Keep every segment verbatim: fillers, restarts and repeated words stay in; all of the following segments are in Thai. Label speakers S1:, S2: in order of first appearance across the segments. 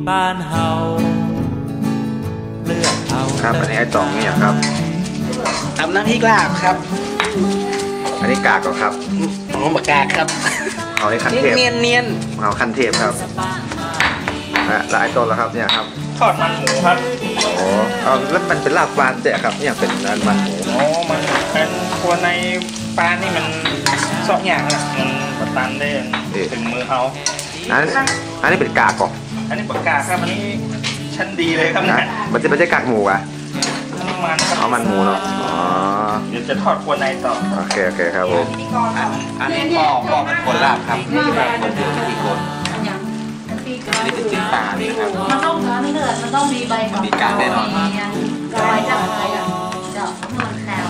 S1: บ้านเฮาเลือกเอา
S2: ครับอันนี้ไอ้ตองนี่ครับ
S3: ทำน้ำพริกลาบครับ
S2: อันนี้กากก็ครับ
S3: อ๋อหมกกากครับ
S2: เอาไอ้คันเทพ
S3: เนียนเนียน
S2: เอาคันเทพครับแล้วไอ้ต้นแล้วครับเนี่ยครับ
S3: ทอดมันหมูครับ
S2: อ๋อเอาแล้วมันเป็นลาบปลาเจ๊ครับเนี่ยเป็นมันหมู
S3: อ๋อมันเป็นตัวในปลานี่มันซอกอย่างนะมันบดตันได้ถึงมือเขา
S2: อันนี้อันนี้เป็นกากก่อน
S3: อันนี้ปากกาครับอันนี้ชั้นดีเลยครับนะ
S2: มันจะไม่ใช่กากหมูอ่ะ
S3: อันนี้มันครับ
S2: เอามันหมูเนาะอ๋อ
S3: เดี๋ยวจะทอดครัวในต่อ
S2: โอเคโอเคครับผม
S4: อันนี้ปอกปอกเป็นคนลาบครับผมอยู่ที่คนนี่เป็นจิ้มปลาเลยครับ
S5: มันต้องการนี่เถอะมันต้องมีใบ
S4: มีการแน่นอน
S5: ใบจับใบอ่ะเจาะนวลแคล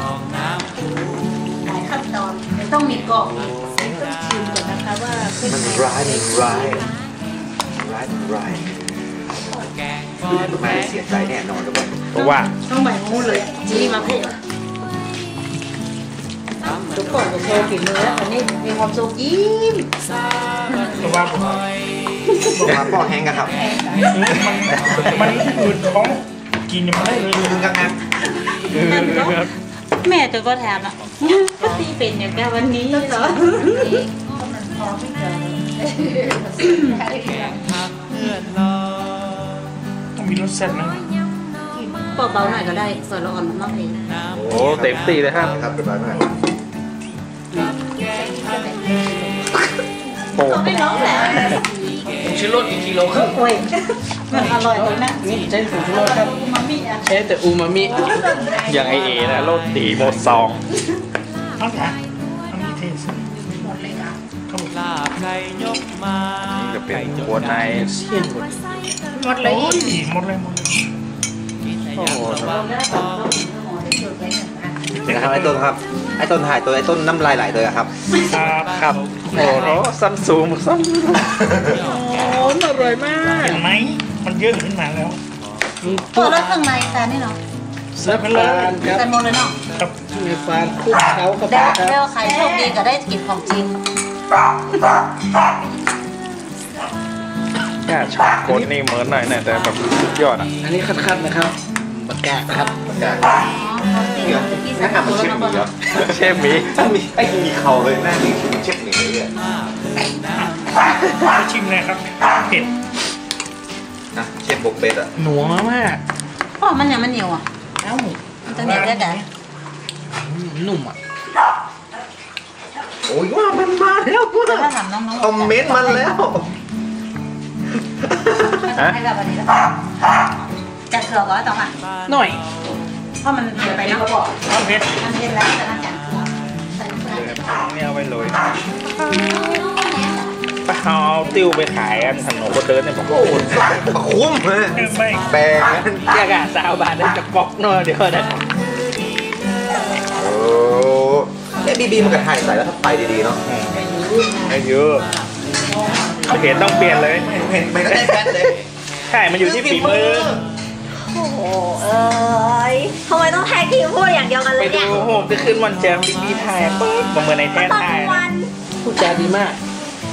S5: หลายขั้นตอนต้องมีกรอบต้องชิมก่อนนะคะว่า
S2: มันร้ายมันร้ายร้ายมันร้ายไม่เสียใจแน่นอนทุกคน
S3: เพราะว่า
S5: ต้องใบมูเลยจีมาเพ่ทุกคนจะโชว์ฝีมือแล้วอันนี้มีความสุขยิ้ม
S3: เพราะว่าผม
S2: มาพ่อแห้งกันครับ
S3: มันอืดท้องกินยังไม่ได้เลย
S2: กันนะ
S5: แม่จะก็แถมอ่ะก็ตีเป็นอย่างแกวันนี้เหรอ
S3: ต้องมีรสแซ่บนะ
S5: เบาๆหน่อยก็ได้ส่วนละอ่อนมากเลย
S3: โอ้เต็มตีเลยครับ
S2: ครับเป็นไรมาก
S5: โอ้ไม่น้องแหละ
S3: ชิโร่อีกกิโลครึ่ง
S5: โอ้ยมันอร่อยเลยนะ
S3: นี่ใช้ผงชูรสครับใช้แต่อูมามิอย่างไอเอนะโรตีโมซองเอาจ้ะเอามีเทสหมดเลยนะ
S1: ลาบไก่ยกมา
S2: จะเป็นหัวใน
S3: เสี้ยนหมดหมดเลยหมดเลยหมดเลย
S2: โอ้โหเดี๋ยวครับไอ้ต้นครับไอ้ต้นถ่ายตัวไอ้ต้นน้ำลายไหลเลยครับ
S3: ครับครับโอ้โหซัมซุงซัมโอ้อร่อยมากเห็นไหมมันเยอะขึ้นมาแล้ว
S5: เปิดแล้วข้างในแต่นี่เนาะ
S3: เสิร์ฟเลย
S5: ครับแต่หมดเลยเนาะ
S3: ครับมีฟานคลุกเขากับ
S5: ได้แล้วใครโชคดีก็ได้กินของจริง
S3: น่าชอบคนนี่เหมือนหน่อยแต่แบบสุดยอดอ่ะอันนี้คัดๆนะครับบักแกะครับบักแกะ
S2: น่าทำมันเชฟหมีเหรอ
S3: เชฟหมี
S2: ไอ้มีเขาเลยน่ามีเชฟหมีเลย
S3: ชิมเลยครับเผ็ด
S2: นะเชฟบุกเป็ดอ่ะ
S3: หนัวมาก
S5: พ่อมันยังมันเหนียวอ่ะเอ้ามันจะเหนียวได้แต่
S3: นุ่มอ่ะ
S2: โอ้ยว่ามันมาแล้วกู
S5: ถ้าถามน้อง
S2: ๆคอมเมนต์มันแล้ว
S5: ให้แบบนี้แล้วจะเกลือก็ต้องอ่ะ
S3: หน่อย
S5: เพราะมันเดือดไปนะ
S3: เอาเผ็ด
S5: มันเผ็ดแล้วแต่น่าจะ
S3: นี่เอาไปเลยปลาเอาติ้วไปขายกันถนนคนเดินเนี่ยผมก็อุ่น
S2: คุ้มเลยแปลง
S3: แค่กะสาวบาทได้จะปอกหน่อยเดี๋ยวนะ
S2: โอ้ไอ้บีบีมันกระถ่ายใส่แล้วถ้าไปดีๆเนาะ
S3: ไม่เยอะเปลี่ยนต้องเปลี่ยนเลย
S2: ไม่ได้แฟนเลย
S3: ใช่มันอยู่ที่ฝีมือ
S5: โอ้โหเอ้ยทำไมต้องแทนทีมพูดอย่างเดียวกันเลยเนี่ย
S3: ไปดูโอ้โหจะขึ้นวันแจมบีบีไทยปุ๊บมาเมื่อในแท้ไทยพูดจาดีมาก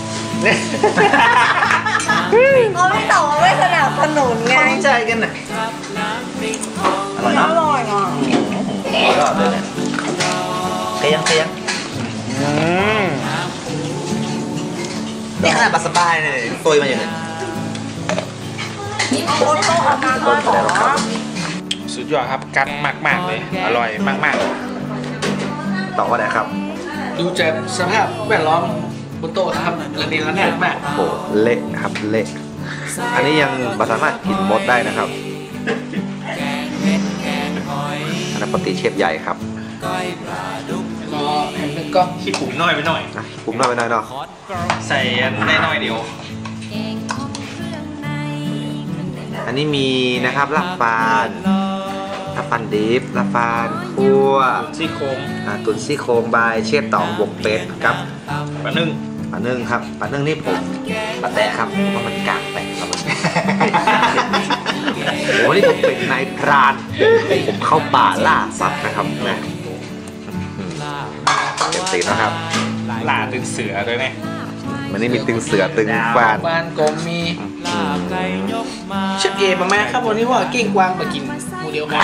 S5: เขาไม่ตอบไม่สนับสนุนไง
S2: เข้าใจกันน่ะอร่อยนะ
S5: อร่อยอ่ะ
S2: ก็เลยเนี่ยเคียงเคียงนี่ขนาดสบายเลยตัวมันอย่างนี้
S3: สุดยอดครับกัดมากๆเลยอร่อยมากๆ
S2: ต่อว่าไหนครับ
S3: ดูจากสภาพแวดล้อมบนโต๊ะครับระเนระนาดมาก
S2: โอ้เละครับเละอันนี้ยังสามารถกินหมดได้นะครับอันนั้นปกติเชฟใหญ่ครับ
S3: รอแผ่นหนึ่งก็ขี้ปุ๋มน้อยไปหน่อย
S2: ขี้ปุ๋มน้อยไปหน่อยเนาะ
S3: ใส่ได้น้อยเดียว
S2: อันนี้มีนะครับลาบปานลาบปานดิบลาบปานคั่ว
S3: ซี่โครง
S2: ตุ๋นซี่โครงบายเชฟต๋องบวกเป็ดครับ
S3: ปลานึ่ง
S2: ปลานึ่งครับปลานึ่งนี่ผมปลาแตะครับเพราะมันกากแตะครับโอ้นี่ผมเป็นนายพรานผมเข้าป่าล่าสัตว์นะครับนะเต็มตีนะครับ
S3: ล่าตึงเสือด้วยไหม
S2: มันนี่มีตึงเสือตึงฟาน
S3: บ้านกลมมี
S1: ลาบไก่ยกมา
S3: เชฟเอประมาณครับวันนี้ว่าเก่งกวางมากินหมูเดียวกัน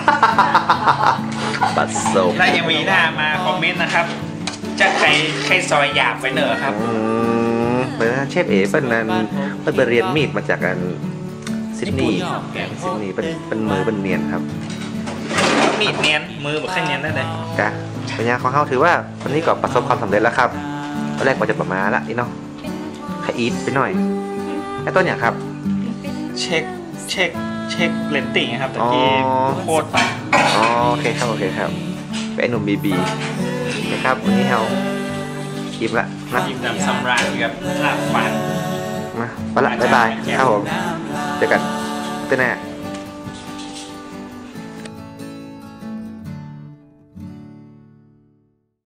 S2: บัดซบ
S3: ถ้ายังมีหน้ามาคอมเมนต์นะครับ จะใครใครซอยหยาบไปเนอะครับ
S2: อืมเป็นเชฟเอเป็นนั้นเป็นไปเรียนมีดมาจากกันซิดนีย์ซิดนีย์เป็นเป็นมือเป็นเนียนครับ
S3: แล้วมีดเนียนมือแบบแค่เนียนได้เลย
S2: กะปัญญาของเขาถือว่าวันนี้ก็ประสบความสำเร็จแล้วครับตอนแรกว่าจะประมาณละอีเนาะขอีทไปหน่อยไอ้ต้นอย่างครับ
S3: เช็คเช็คเช็คเลนติ้งครับตะกี้
S2: อ๋อ
S3: โคตรไป
S2: อ๋อโอเคครับโอเคครับเป็นไอ้หนุ่มบีบีนะครับวันนี้เราคลิปละนะ
S3: ยิ้มดำสำราญกับลาบฟัน
S2: มาไปละบ๊ายบายครับผมเจอกันเต้นแน่